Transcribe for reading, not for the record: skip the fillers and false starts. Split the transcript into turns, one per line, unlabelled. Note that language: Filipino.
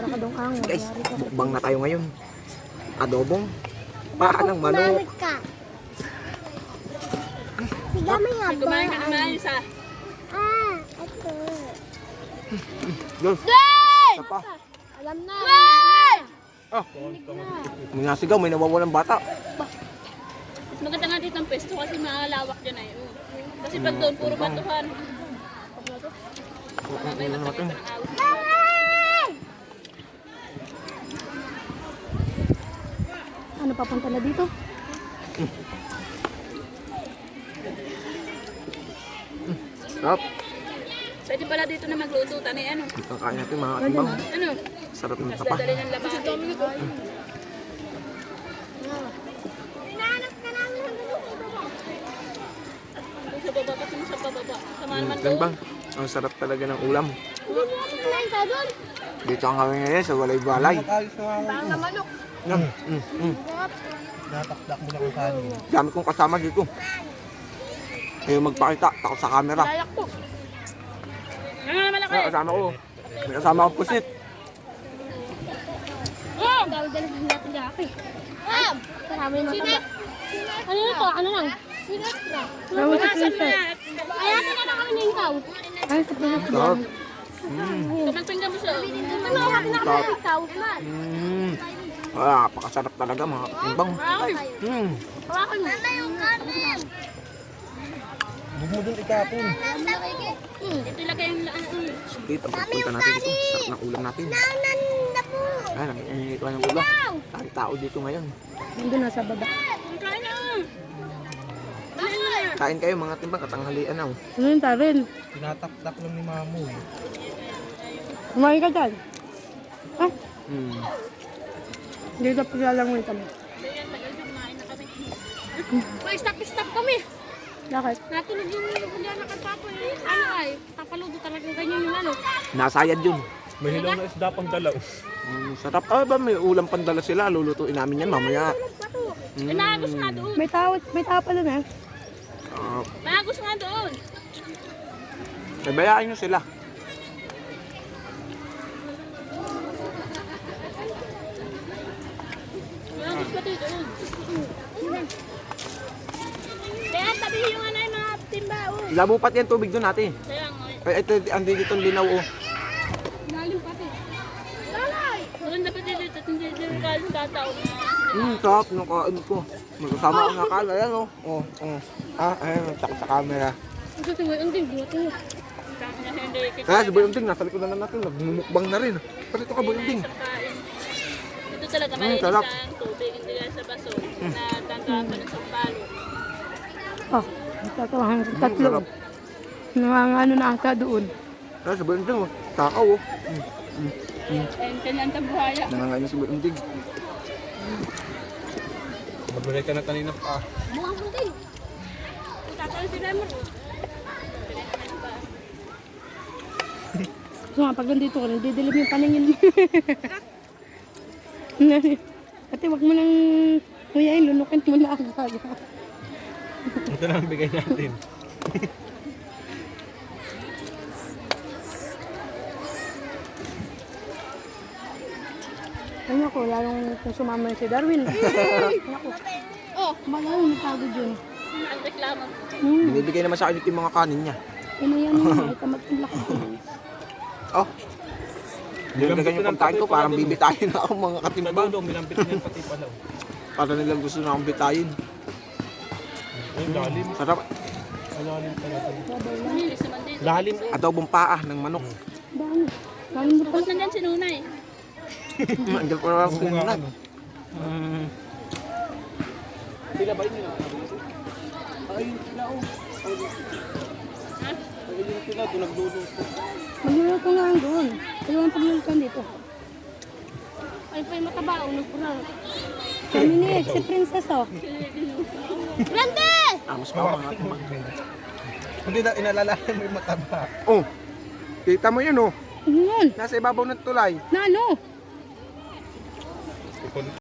Para ka dong ango.
Guys, mukbang na tayo ngayon. Adobong paa ng manok.
Tiga may haba.
Kumain ka naman isa.
Ito.
Guys,
Day!
isa pa.
Alam na.
Ah, may nasigaw, may nawawalang bata.
Mas maganda nga dito ang pesto kasi malawak dyan ay. Kasi pag doon, puro batuhan. May matagal pa ng awit.
Ano papunta na dito?
Sarap.
Pwede pala dito na magluto. Tanay ano?
Kakain natin mga katimbang.
Ano?
Sarap ng
Mas
tapa.
dadali ng labahin.
Hinahanap ka namin hanggang
Sa baba kasi mo sa bababa. Sama naman doon.
Katimbang, ang sarap talaga ng ulam.
Hindi mo kumain ka doon.
Dito ang kami ngayon sa walay-balay.
Parang na manok.
Natakdak mo lang ang kanin.
Dami kong kasama dito. Ayaw magpakita, takot sa camera.
Layak po. Ano na malaki?
May kasama ko. May kasama akong pusit.
Dali-dali natin gapi.
Marami na mataba.
Ano na to? Ano lang?
Sinas na.
Punasan mo na.
Ayatin na kami ng ikaw. Ay, sa pinas ko.
Sarap.
Tumagpinggan mo siya.
Ikaw.
Pakasarap talaga mga katimbang.
Hawakan mo. Nana yung kanin.
Huwag mo dun ikapon.
Ito ilagay yung laan.
Dito, pagpunta natin dito. Sarap ng ulam natin.
Nanan na po.
Ayan, nanginginig ng ulam. Ang tao dito ngayon.
Nandun na sa baba.
Kain na.
Kain kayo mga timbang, katanghalian na.
Ano yung tarin?
Tinatakdak lang ni Mamo eh.
Kumain ka dyan. Ah,
Hmm.
dito paglalangoy kami.
Pa-stop kami.
Bakit?
Natulog yung nilugulyan na kantapo eh. Ano ay? Tapaludo talagang ganyan yung ano.
Nasayad yun.
May hilaw na isda pang dalaw.
Sarap. Ah, ba may ulam pandala sila. Lulutuin namin yan mamaya.
Nagos nga doon.
May tao pa dun eh.
Nagos nga doon.
Bayaan nyo sila.
Nagos pa dito. Kaya tabi yung ano yung mga timbao.
Labupat yan tubig doon natin.
Kaya nga.
Ay, ito, andi dito linaw oh.
Lalim pati. Lalay! Maganda pa dito. Hindi dito kaling tataon.
Sarap ng kain ko. Magkasama ang nakala yan oh. Ayun, takot sa camera.
Ito si Boy Unding, buhat mo.
Kaya si Boy Unding, nasa likod na natin. Nagmumukbang na rin. Pati ito ka Boy Unding.
Ito talaga malinis
sarap.
ang tubig. Hindi yan sa baso. Na tandaan pa ng sampalo.
Oh, tatlo.
Sarap.
Ano na ata doon.
Kaya si Boy Unding oh. Takaw oh.
And kanyang tabuhaya.
Nangangain na si Boy Unding.
Magbalik ka na kanina pa.
Bukas mo din. Tataon si Lemon.
So nga, pag nandito ka, didilim yung paningin mo. Ate, wag mo nang huyain, lunukin mo na agad.
Ito na ang bigay natin.
Ano ko, lalong kung sumama si Darwin. Ako. Oh, malayo, napagod yun.
Ang reklamo.
Binibigay naman sa akin yung mga kanin niya.
Ano yan yun, ay tamad yung laki.
Oh. Yung ganyan pagkain ko, parang bibitayin na ako mga katimbang.
Palaw daw, minampit niyan pati palaw.
Para nilang gusto na akong bitayin.
Ay, lalim.
Sarap.
Lalim pala ito.
Malinis naman dito.
Lalim.
Adobong paa ng manok.
Dami. Dami mo
Bakit nandyan si Nunay?
Andiyan pa naman ako na.
Sila ba yun? Ay, sila oh. Ay, yun sila, doon nagluluto.
Magluluto nga lang doon. Kaya ang pagluluto dito. Ay, pa yung mataba, nagpura. Kami ni si Princess oh.
Grande!
Mas pa mga katimbang.
Hindi na, inalalahan mo yung mataba.
Oh, kita mo yun oh.
Ano yun?
Nasa ibabaw ng tulay.
Na ano?